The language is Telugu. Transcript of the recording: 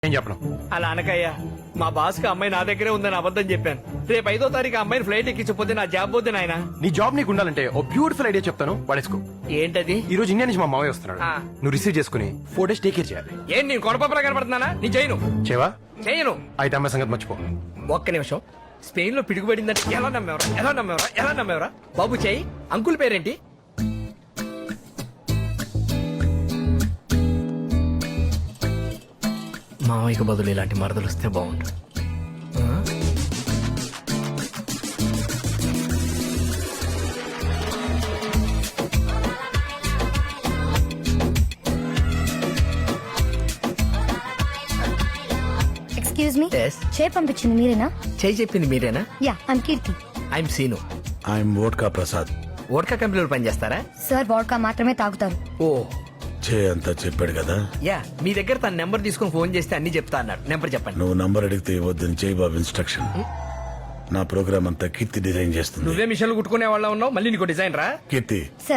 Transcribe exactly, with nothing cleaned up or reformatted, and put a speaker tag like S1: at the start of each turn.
S1: ఏం చెప్పను.
S2: అలా అనకయ్యా, మా బాస్ కి అమ్మాయి నా దగ్గరే ఉందని అబద్ధం చెప్పాను. రేపు ఐదో తారీఖు అమ్మాయిని ఫ్లైట్ ఎక్కించకపోతే నా జాబ్ పోతే నాయన.
S1: నీ జాబ్ నీకు ఉండాలంటే ఓ బ్యూటిఫుల్ ఐడియా చెప్తాను, పడేసుకో.
S2: ఏంటది?
S1: ఈ రోజు ఇండియా నుంచి మా మావయ్య వస్తున్నాడు.
S2: ఆ.
S1: నువ్వు రిసీవ్ చేసుకుని ఫోర్ డేస్ టేక్ కేర్ చేయాలి.
S2: ఏం నేను కొడపప్పలా కనపడుతున్నానా? నీ చేయను
S1: చేవా
S2: చేయను.
S1: అయితే అమ్మాయి సంగతి మర్చిపో.
S2: ఒక్క నిమిషం. స్పెయిన్ లో పిడుగుపడిందంటే ఎలా నమ్మేవరా ఎలా నమ్మేవరా ఎలా నమ్మేవరా బాబు చెయ్యి. అంకుల్ పేరేంటి? మావయ్యకు బదులు ఇలాంటి మరదలు వస్తే బాగుండు. ఆ?
S3: Excuse me,
S2: Yes.
S3: చే పంపించింది మీరేనా?
S2: చెయ్యి చెప్పింది మీరేనా?
S3: Yeah, I'm Keerthi.
S2: I'm Seenu.
S4: I'm vodka Prasad.
S2: Vodka కంపెనీలో పనిచేస్తారా?
S3: సార్ వాడ్కా మాత్రమే తాగుతారు.
S2: ఓ
S4: చే అంతా చెప్పాడు కదా.
S2: యా, మీ దగ్గర తన నెంబర్ తీసుకుని ఫోన్ చేస్తే అన్ని చెప్తా అన్నాడు. నెంబర్ చెప్పండి.
S4: నువ్వు నంబర్ అడిగితే ఇవ్వద్దని చేయి బాబు ఇన్స్ట్రక్షన్. నా ప్రోగ్రామ్ అంతా కీర్తి డిజైన్ చేస్తుంది.
S2: నువ్వే మిషన్లు కుట్టుకునే వాళ్ళ ఉన్నావు, మళ్ళీ నీకు డిజైన్ రా.
S4: కీర్తి,
S3: సార్